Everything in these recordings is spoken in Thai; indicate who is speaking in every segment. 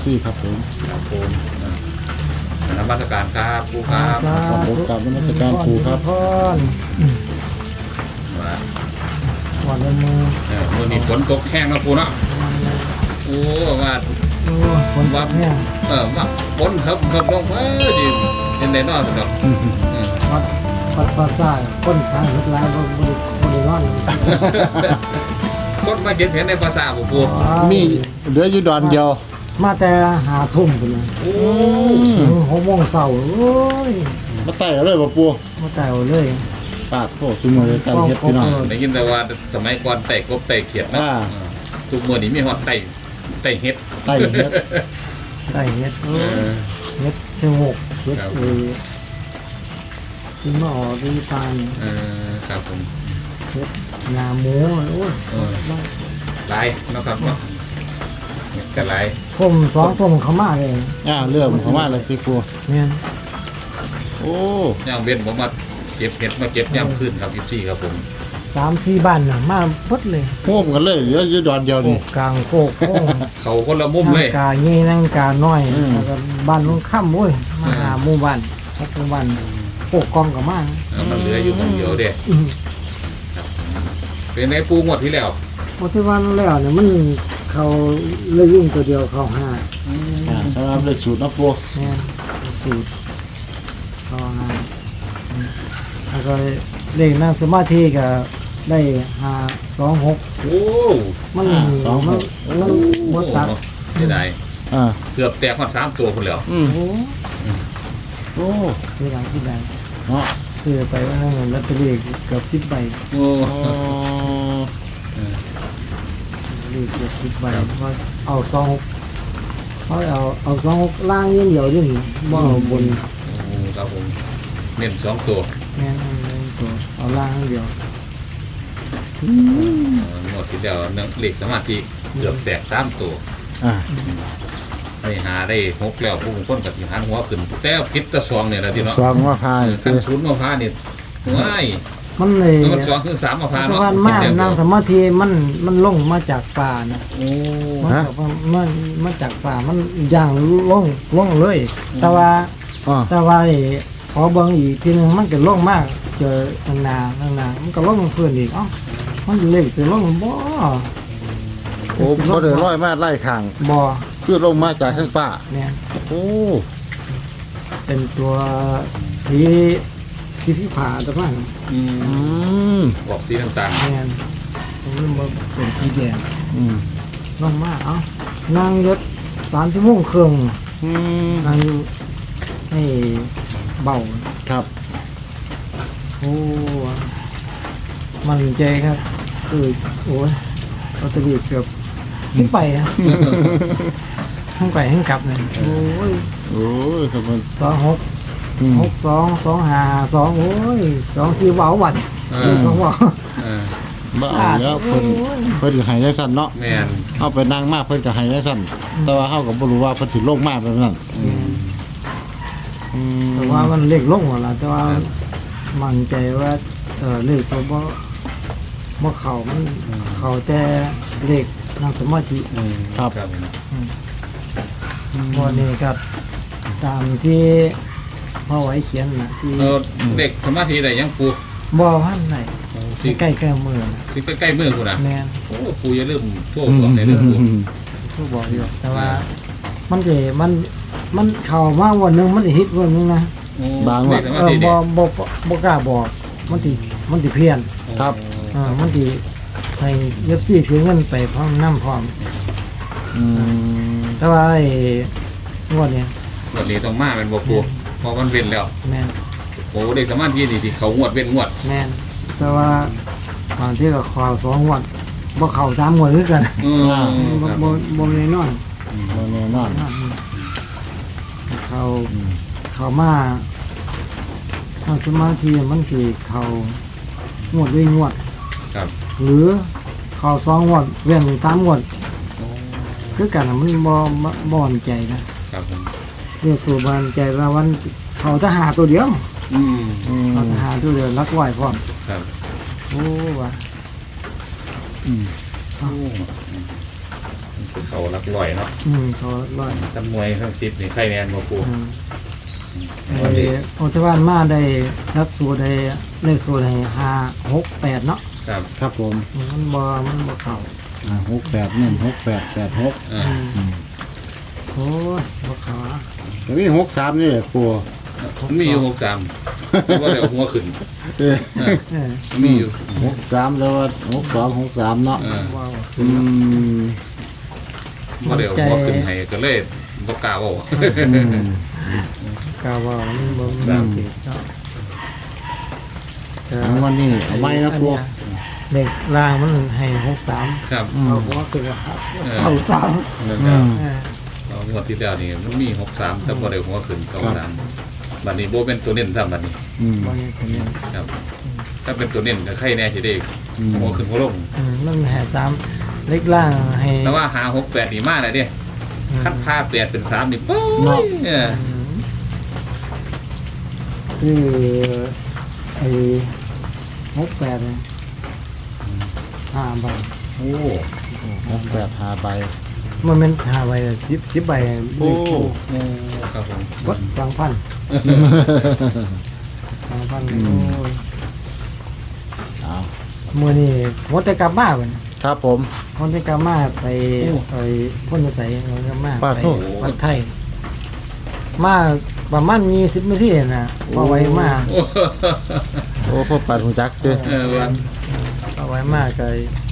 Speaker 1: ซี่ครับผม
Speaker 2: ครับผมนมัสการครับครูครับ
Speaker 1: ครับผมกราบนมัสการครูครับ
Speaker 3: พร
Speaker 2: มา
Speaker 3: วันละมือ
Speaker 2: มื่อนี้ฝนตกแห้งนะครูเนาะโอ้ว่า
Speaker 3: โอ้คนวัดเนี่ย
Speaker 2: ว่าฝนเฮิบลงดิเป็นไดนอนสุดดอก
Speaker 3: วัดภาษาคนทางทุกร้านบริวาร
Speaker 2: คนมาเห็นในภาษาบุปู
Speaker 1: มีเหลืออยู่ดอนเดียว
Speaker 3: มาแต่หาทุ่มกันเลย
Speaker 2: โอ้
Speaker 3: 6 โมงเช้าโอ้ย
Speaker 1: มาไต่เอาเลยบ่ปู
Speaker 3: มาแต่เลย
Speaker 1: ปากโอ้ซุมื้อเลยการเฮ็ดพี่น้อง
Speaker 2: ได้ยินแต่ว่าสมัยก่อนไต่กบไต่เขียดนะทุกมื่อนี้มีฮอดไต่เฮ็ด
Speaker 1: ไต่เฮ็ด
Speaker 3: ได้เฮ็ดเฮ็ดชงกเฮ็ดที่มาออกที่ตาย
Speaker 2: ครับผม
Speaker 3: เฮ็ดงาหมูโอ้ย
Speaker 2: ลายนะครับเนาะกันลาย
Speaker 3: ผม2 ทุ่มเข้ามาเลย
Speaker 1: เริ่มเข้ามาเลยพี่ปู
Speaker 3: เนี่ย
Speaker 1: โอ้
Speaker 2: ย่างเว้นผมมาเก็บเห็ดมาเก็บย่ำขึ้นครับพี่ครับผม
Speaker 3: 3-4 บ้านน่ะมาพดเลย
Speaker 1: โฮมกันเลยเหลืออยู่ดอนเดียว
Speaker 3: โค
Speaker 1: นี่
Speaker 3: กกลางโคกโค้ง
Speaker 2: เขาคนละมุมเลย
Speaker 3: นั่งกาเงี้นั่งกาน้อย
Speaker 1: อืม
Speaker 3: แล้วก็บ้านลุงค่ำโอ้ยมาหาหมู่บ้านพบหมู่บ้านโคกกองกับมา
Speaker 2: มันเหลืออยู่คนเดียวเด้
Speaker 3: อืม
Speaker 2: เป็นไงปูงวดที่แล้ว
Speaker 3: พอที่วันแล้วเนี่ยมันเขาเลยวิ่งตัวเดียวเขาห้า
Speaker 1: สำหรับเลขสูตรเนาะปู
Speaker 3: เนี่ยสูตรเขาห้าแล้วก็เลขนั่งสมาธิก็ได้526
Speaker 2: โอ้
Speaker 3: มันมันหมดตัด
Speaker 2: เสียดาย
Speaker 1: อ่า
Speaker 2: เกือบแตกมา3 ตัวคนแล้ว
Speaker 1: อืม
Speaker 3: โอ้
Speaker 1: โอ้
Speaker 3: ที่ไหนที่ไหน
Speaker 1: เนาะ
Speaker 3: ซื้อไปว่านั่นลอตเตอรี่เกือบ10 ใบ
Speaker 2: โอ้
Speaker 1: อ๋อ
Speaker 3: เลขเกือบ10 ใบเพราะเอา26เขาเอา26ล่างอย่างเดียวดิบ่เอาบน
Speaker 2: ครับผมเน้น2 ตัว
Speaker 3: แม่นตัวเอาล่างอย่างเดียว
Speaker 2: งวดที่แล้วเลขสมาธิเกือบแตก3 ตัว
Speaker 1: อ่า
Speaker 2: ไปหาได้6แล้วผู้คนกับหันหัวขึ้นแต่พิษตะ2เนี่ยแหละที่เนาะ
Speaker 1: สองว่าพาย
Speaker 2: กันศูนย์มาพานี่ว้าย
Speaker 3: มันเลย
Speaker 2: มัน2คือ3มาพา
Speaker 3: ตะ
Speaker 2: เนาะ
Speaker 3: วันมานั่งสมาธิมันลงมาจากป่านะ
Speaker 2: โอ้
Speaker 3: มันมาจากป่ามันย่างลงเลย แต่ว่า
Speaker 1: อ๋อ
Speaker 3: แต่ว่านี่พอเบิ่งอีกทีนึงมันก็ลงมากเจอข้างหน้ามันก็ลงเพิ่นอีกเอ้ามันเล็กไปลงบ่
Speaker 1: โอ้เขาเดินร้อยมาไล่ข้าง
Speaker 3: บ่
Speaker 1: คือลงมาจากข้างฟ้า
Speaker 3: เนี่ย
Speaker 1: โอ้
Speaker 3: เป็นตัวสีที่พี่ผ่าตะมัน
Speaker 2: อืม
Speaker 1: อืม
Speaker 2: บอกสีต่าง
Speaker 3: เนี่ยผมเริ่มมาเป็นสีแดง
Speaker 1: อืม
Speaker 3: ลงมาเอ้านั่งยศ3 ชั่วโมงครึ่ง
Speaker 1: อืม
Speaker 3: นั่งอยู่ให้เบา
Speaker 1: ครับ
Speaker 3: โอ้มันใจครับคือโอ้ยลอตเตอรี่เกือบขึ้นไปนะทั้งไปทั้งกลับเลยโอ้ย
Speaker 1: โอ้ยครับมัน
Speaker 3: 26
Speaker 1: อืม
Speaker 3: 62 25 2โอ้ย24เว้าบัด
Speaker 2: ๆ
Speaker 3: 2เว้า
Speaker 2: เออ
Speaker 1: บ่เอาแล้วเพิ่นเพิ่นก็ให้จังซั่นเนาะ
Speaker 2: แม่น
Speaker 1: เอาไปนั่งมาเพิ่นก็ให้จังซั่นแต่ว่าเฮาก็บ่รู้ว่าเพิ่นสิลงมาแบบนั้น
Speaker 2: อืม
Speaker 1: อืม
Speaker 3: แต่ว่ามันเลขลงหมดแล้วแต่ว่ามั่นใจว่าเลขสบ่เข้ามันเข้าแต่เลขนั่งสมาธิ
Speaker 1: ครับ
Speaker 2: ครับ
Speaker 3: วันนี้ครับตามที่พ่อไว้เขียนนะที่
Speaker 2: เด็กสมาธิได้ยังปู
Speaker 3: บ่อพันไหน
Speaker 2: ที่
Speaker 3: ใกล้ๆมือนะ
Speaker 2: ที่ใกล้ๆมือกูนะ
Speaker 3: แม่น
Speaker 2: โอ้ปูอย่าลืมโทษบอกในเรื่องปู
Speaker 3: ผู้บอกอยู่แต่ว่ามันเข้ามาวันหนึงมันสิฮิตวันหนึงนะ
Speaker 2: เด็กสมาธิ
Speaker 3: บ่
Speaker 2: เด็ก
Speaker 3: บ่กล้าบอกมันสิเพี้ยน
Speaker 1: ครับ
Speaker 3: มันสิให้เย็บซี่ถือเงินไปพร้อมน้ำพร้อม
Speaker 1: อืม
Speaker 3: แต่ว่าไอ้งวดเนี่ย
Speaker 2: วันนี้ต้องมาเป็นบ่ปูพอมันเว้นแล้ว
Speaker 3: แม่น
Speaker 2: โอ้เด็กสมาธินี่สิเขางวดเว้นงวด
Speaker 3: แม่นแต่ว่าบางที่ก็ข่าว2 งวดบ่เข้า3 งวดคือกัน บ่แน่นอน
Speaker 1: บ่แน่นอน
Speaker 3: เขามาทางสมาธิมันคือเขางวดด้วยงวด
Speaker 2: ครับ
Speaker 3: หรือเขา2 งวดเว้น3 งวดคือกันน่ะมันบ่มั่นใจนะครับ
Speaker 2: ผม
Speaker 3: เรียกสู่มั่นใจว่าวันเขาทหารตัวเดียว
Speaker 2: อืม
Speaker 1: อืม
Speaker 3: เขาทหารตัวเดียวรักไหวพร้อม
Speaker 2: ครับ
Speaker 3: โอ้ว่ะ
Speaker 1: อืม
Speaker 2: โอ้คือเขารักลอยเนาะ
Speaker 3: เขาร้อย
Speaker 2: ทั้งมวยทั้ง10นี่ใครแน่นบ่ปู
Speaker 3: ไอ้โอทวานมาได้รักสูตรได้เลขสูตรให้568เนาะ
Speaker 2: ครับ
Speaker 1: ครับผม
Speaker 3: มันบ่เข้า
Speaker 1: 68เน้น6886
Speaker 2: อ่า
Speaker 3: โอ้ยบ่เข้าอะ
Speaker 1: ก็มี63นี่แหละปู
Speaker 2: มีอยู่63ว่าเดี๋ยวหัวขึ้น
Speaker 1: เออ
Speaker 3: เออ
Speaker 2: มีอยู่
Speaker 1: 63แล้วว่า62 63เนาะ
Speaker 3: ว้าว
Speaker 1: อืม
Speaker 2: ว่าเดี๋ยวหัวขึ้นให้ก็เลยบ่กล้าเว้า
Speaker 1: อืม
Speaker 3: กาว่ามันบ่
Speaker 2: ครั
Speaker 3: มี
Speaker 2: บ
Speaker 3: สิเนาะแต่
Speaker 1: เอาวันนี้เอาไว้นะปู
Speaker 3: เด็กล่างมันให้63
Speaker 2: ครับ
Speaker 1: อืม
Speaker 3: เอาหัวขึ้นว่า
Speaker 2: เออ
Speaker 3: เข้าสาม
Speaker 2: นั่น
Speaker 1: อื
Speaker 2: ครับ
Speaker 1: ม
Speaker 3: เออ
Speaker 2: เอางวดที่แล้วนี่มันมี63แต่บ่ได้หัวขึ้น93บัดนี้บ่เป็นตัวเน้นซ้ำบัดนี้
Speaker 1: อืม
Speaker 3: บ่ยังเป็นอย่าง
Speaker 2: ครับ ถ้าเป็นตัวเน้นก็ใครแน่สิได้
Speaker 1: อืม
Speaker 2: หัวขึ้นหัวลง
Speaker 3: มันให้3เล็กล่างให้
Speaker 2: แต่ว่าหา68นี่มาแล้วเด้คัดผ้า8เป็น3นี่ปุ๊ยเออ
Speaker 3: ซื้อไอ้68เนี่ย5ใบ
Speaker 2: โอ้
Speaker 1: 68 5ใบ
Speaker 3: มันเป็น5ใบ10ใบ
Speaker 1: โอ้
Speaker 2: ครับผม
Speaker 3: วัด2,000 2,000โอ้ย
Speaker 1: เอา
Speaker 3: มื้อนี้หมดแต่กลับมาเพิ่น
Speaker 1: ครับผม
Speaker 3: หมดแต่กลับมาไปพ่นใส่หมดแต่กลับมา
Speaker 1: ป้า
Speaker 3: ไป
Speaker 1: โทษ
Speaker 3: วัดไทยมาประมาณ20นาทีน่ะพอไว้มา
Speaker 1: โอ้พ่อปัดหูจักเด้อ
Speaker 2: เออวัน
Speaker 3: พอไว้มาก็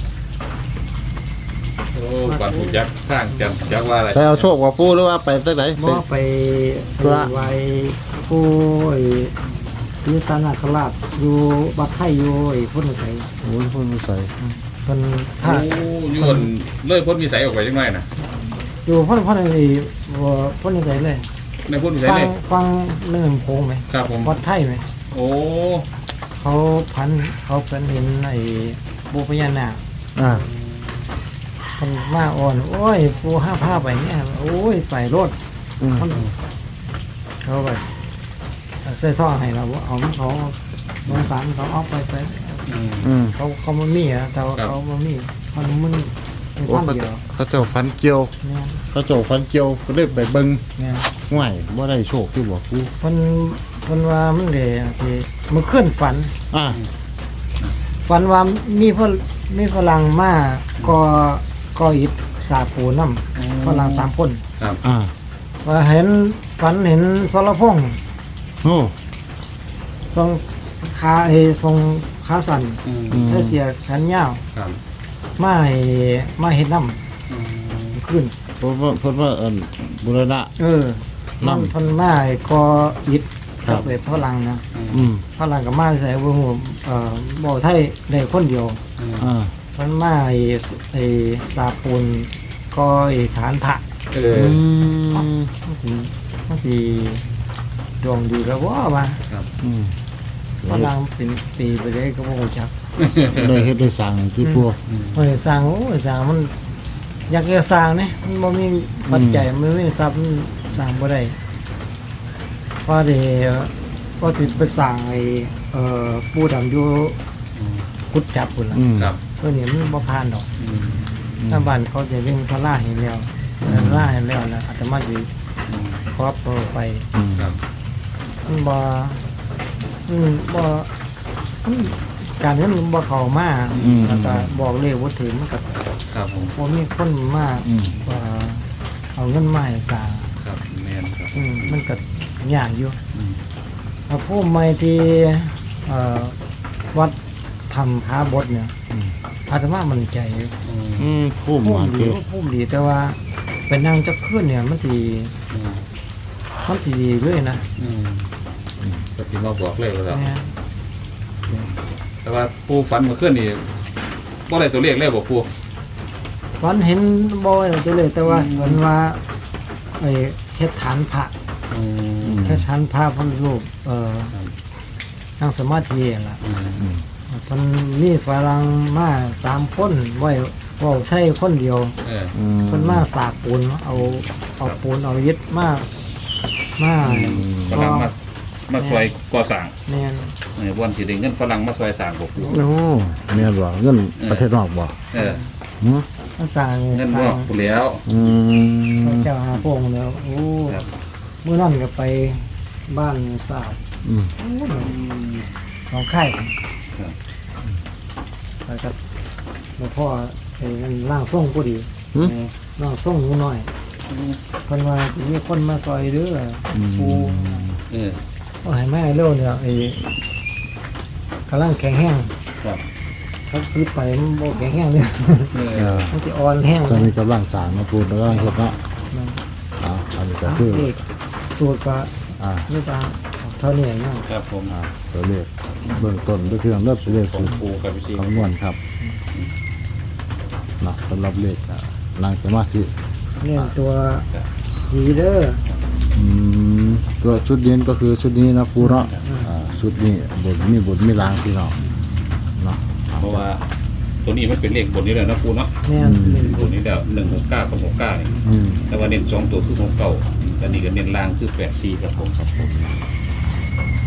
Speaker 2: โอ้ก่อนผู้ยักษ์สร้างจำยักษ์ว่าอะไร
Speaker 1: ไปเอาโชคว่าปูหรือว่าไปตั้งไหน
Speaker 3: บ่ไป
Speaker 1: ธุระ
Speaker 3: ไว้ผู้ไอ้ที่ตานาคราชอยู่บัดไทยอยู่ไอ้พ่นใส่
Speaker 1: โอ้ยพ่นมาใส่
Speaker 3: เพิ่น
Speaker 2: โอ้
Speaker 3: ถ้า
Speaker 2: ยวนเลยพ้นมีสายออกไปยังไงนะ
Speaker 3: อยู่พ่นไอ้บ่พ่นใส่เลย
Speaker 2: ในพ้นมีสาย
Speaker 3: ฟัง
Speaker 2: เลย
Speaker 3: ฟังเรื่องโพงไหม
Speaker 2: ครับผม
Speaker 3: วัดไทยไหม
Speaker 2: โอ้
Speaker 3: เขาเห็นไอ้ปูพญานาค
Speaker 1: อ่า
Speaker 3: มันมาอ่อนโอ้ยปูห้าผ้าไปเนี่ยโอ้ยไปรถ
Speaker 1: อืม
Speaker 3: เขาไปใส่ท่อให้เราเอาเขาลงสารเขาเอาไป
Speaker 1: อืม
Speaker 3: เขามามีอ่ะแต่ว่าเขามามีมัน
Speaker 1: โอ้
Speaker 3: ท่าน
Speaker 1: เขา
Speaker 3: เดียว
Speaker 1: เขาเจ้าฟันเกี่ยว
Speaker 3: เนี่ย
Speaker 1: เขาเจ้าฟันเกี่ยวก็เลยไปเบิ่ง
Speaker 3: เนี่ย
Speaker 1: ห่วยบ่ได้โชคที่บอกปู
Speaker 3: มันว่ามันเลยที่มันขึ้นฝัน
Speaker 1: อ่า
Speaker 3: ฝันว่ามีฝรั่งมาก็อิดสาปูน้ำฝรั่ง3 คน
Speaker 2: ครับ
Speaker 1: อ่า
Speaker 3: ว่าเห็นฝันเห็นสรพงษ์
Speaker 1: โอ้
Speaker 3: ทรงทรงขาสั่น
Speaker 2: อืม
Speaker 1: อืม
Speaker 3: ได้เสียแขนยาว
Speaker 2: ครับ
Speaker 3: มาเห็ดน้ำขึ้น
Speaker 1: เพิ่นว่าบุรณะ
Speaker 3: มัน
Speaker 1: น้ำ
Speaker 3: พันมาก็อิด
Speaker 1: ครับ
Speaker 3: กับฝรั่งนะ
Speaker 1: อืม
Speaker 3: ฝรั่งกับมาใส่วงบ่อไทยได้คนเดียว
Speaker 1: อ่า
Speaker 3: มันมาสาปูนก็ฐานพระ
Speaker 2: เอ
Speaker 1: อื
Speaker 2: อ
Speaker 1: ม
Speaker 3: มันสิดวงดีแล้วว่า
Speaker 1: อืม
Speaker 3: ฝรั่งเป็นปีไปได้ก็บ่รู้จัก
Speaker 1: ได้เฮ็ดได้สั่งที่ปู
Speaker 3: เฮ้ยสร้างสร้างมันอยากจะสร้างเนี่ยมันบ่มีปัจจัยมันไม่มีทรัพย์มันสร้างบ่ได้พอดีก็ติดไปสร้างปูดำอยู่กุดจับพุ่นล่ะ
Speaker 1: อืม
Speaker 2: ครับ
Speaker 3: ตัวนี้มันบ่ผ่านดอก
Speaker 2: อืม
Speaker 3: ถ้าบ้านเขาจะเลี้ยงศาลาให้แล้วศาลาให้แล้วนะอาตมาสิ
Speaker 2: อืม
Speaker 3: ขอไป
Speaker 1: อืม
Speaker 2: ครับ
Speaker 3: มันบ่มันการเงินมันบ่เข้ามาแล้วก็บอกเลยว่าถึงมันก็
Speaker 2: ครับผม
Speaker 3: บ่มีคนมา
Speaker 1: อืม
Speaker 3: เอาเงินมาให้สร้าง
Speaker 2: ครับแมนครับ
Speaker 3: มันก็ยากอยู่
Speaker 2: อืม
Speaker 3: ผู้ใหม่ที่วัดทำพาบทเนี่ยอาตมามั่นใจอยู่
Speaker 2: อืม
Speaker 1: อืมพุ่ม
Speaker 3: พุ่
Speaker 1: มาม
Speaker 3: ดี
Speaker 1: เด้อ
Speaker 3: พุ่มดีแต่ว่าเป็นนางจะขึ้นเนี่ยมันสิ
Speaker 2: อืม
Speaker 3: ดีเลยนะ
Speaker 2: อืมก็ที่มาบอกเลยว่าแล้ว
Speaker 3: เนี่ย
Speaker 2: แต่ว่าปูฝันเมื่อคืนนี่บ่ได้ตัวเลขเลยบอกปู
Speaker 3: ฝันเห็นบ่อยจะเลยแต่ว่าเหมือนว่าเทศฐานพระ
Speaker 2: อืม
Speaker 3: เทศฐานพระพันรูปนั่งสมาธิล่ะ
Speaker 2: อืม
Speaker 3: มันมีฝรั่งมา3 คนไว้เว้าใช้คนเดียว
Speaker 2: เออ
Speaker 1: อืม
Speaker 3: เพิ่นมาสากปูนเอาปูนเอายึดมา
Speaker 2: กำลังมามาซอยก่อสร้าง
Speaker 3: แม่น
Speaker 2: วันสิได้เงินฝรั่งมาซอยสร้างบ่ปู
Speaker 1: โอ้แม่นบ่เงินประเทศนอกบ่
Speaker 2: เออ
Speaker 1: หือ
Speaker 3: มาสร้าง
Speaker 2: เงินบ่ปูแล้ว
Speaker 1: อืม
Speaker 3: เจ้าหาพงแล้วโอ้
Speaker 2: ครับ
Speaker 3: เมื่อนั้นก็ไปบ้านสาว
Speaker 1: อืม
Speaker 3: โอ้ของไข่
Speaker 2: ครับ
Speaker 3: ไปกับหลวงพ่อไอ้นั่นร่างทรงพอดี
Speaker 1: หือ
Speaker 3: ร่างทรงหนูน้อยเพิ่นว่ามีคนมาซอยเด้อปู
Speaker 2: เออ
Speaker 3: เอาให้แม่เร็วเนี่ยไอ้กำลังแข็งแห้ง
Speaker 2: ครับ
Speaker 3: เขาซื้อไปมันบ่แข็งแห้งเลย
Speaker 2: เอ
Speaker 1: เอ
Speaker 2: อ
Speaker 1: อ
Speaker 3: มันสิอ่อนแห้ง
Speaker 1: ตอนนี้กำลังสร้างมาปูนแล้วก็เฮ็ดเนาะอันนี้ก็คือ
Speaker 3: เลขสูตรก็
Speaker 1: อ่า
Speaker 3: นี่ตาเท่านี้เนาะ
Speaker 2: ครับผม
Speaker 1: ตัวเลขเบื้องต้นก็คือเริ่มเลข
Speaker 2: ขอ
Speaker 1: สู
Speaker 2: ง
Speaker 1: ตร
Speaker 2: ปูครับพี่ชิ
Speaker 1: คำนวณครับเนาะสำหรับเลขนั่งสมาธิ
Speaker 3: เนี่ยตัวสีเด้อ
Speaker 1: อืมตัวชุดเย็นก็คือชุดนี้นะปูเนาะชุดนี้บทมีล้างพี่น้องเนาะ
Speaker 2: เพราะว่าตัวนี้มันเป็นเลขบนนี้เลยนะปูเนาะ
Speaker 3: แม่นเป็น
Speaker 2: บนนี้แล้ว169กับ69นี่
Speaker 1: อืม
Speaker 2: แต่ว่าเน้น2ตัวคือ69อันนี้ก็เน้นล่างคือ84ครับผม